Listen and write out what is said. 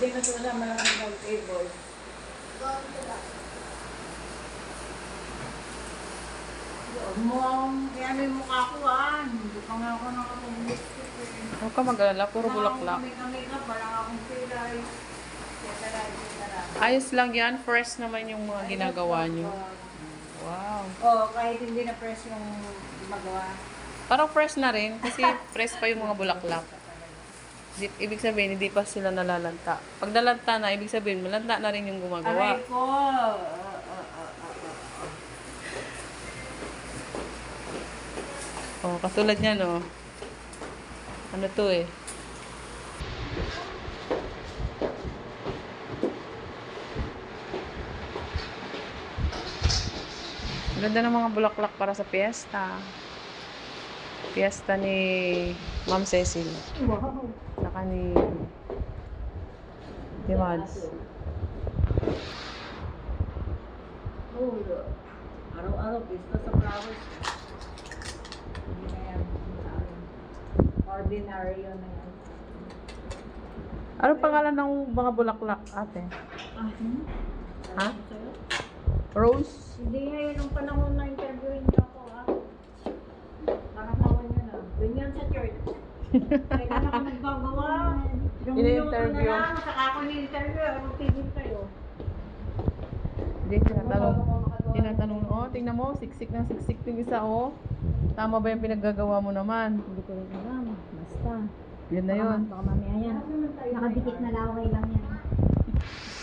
pinasulasama lang ang table. Kaya may mukha ko hindi pa nga ako nakapag-lipstick eh. Huwag ka mag-alala, puro bulaklak. Kami ka, parang akong pilay. Ayos lang yan, fresh naman yung mga ginagawa nyo. Wow. Kahit hindi na fresh yung magawa. Parang fresh na rin, kasi fresh pa yung mga bulaklak. Ibig sabihin, hindi pa sila nalalanta. Pag nalanta na, ibig sabihin, malanta na rin yung gumagawa. Aray ko! Katulad niyan, Ano to eh? Ganda ng mga bulaklak para sa piyesta. Piyesta ni Ma'am Cecil. Wow! Saka ni Mads. Araw-araw, pista sa flowers. Hindi na yan. Ordinary yun na yan. Ano pangalan ng mga bulaklak, ate? Ha? Rose? Hindi ngayon yung panahon na interviewin niyo ako, Parang kawan niyo na. Doon yan sa church. Kailan ako nagbagawa. Yung minuto na lang, saka ako ni-interview. Anong tigil kayo? Hindi, tinatanong, tingnan mo, siksik ng siksik yung isa, Tama ba yung pinaggagawa mo naman? Hindi ko rin alam. Basta. Yun na yun. Baka mamaya yan. Nakadikit na laway lang yan.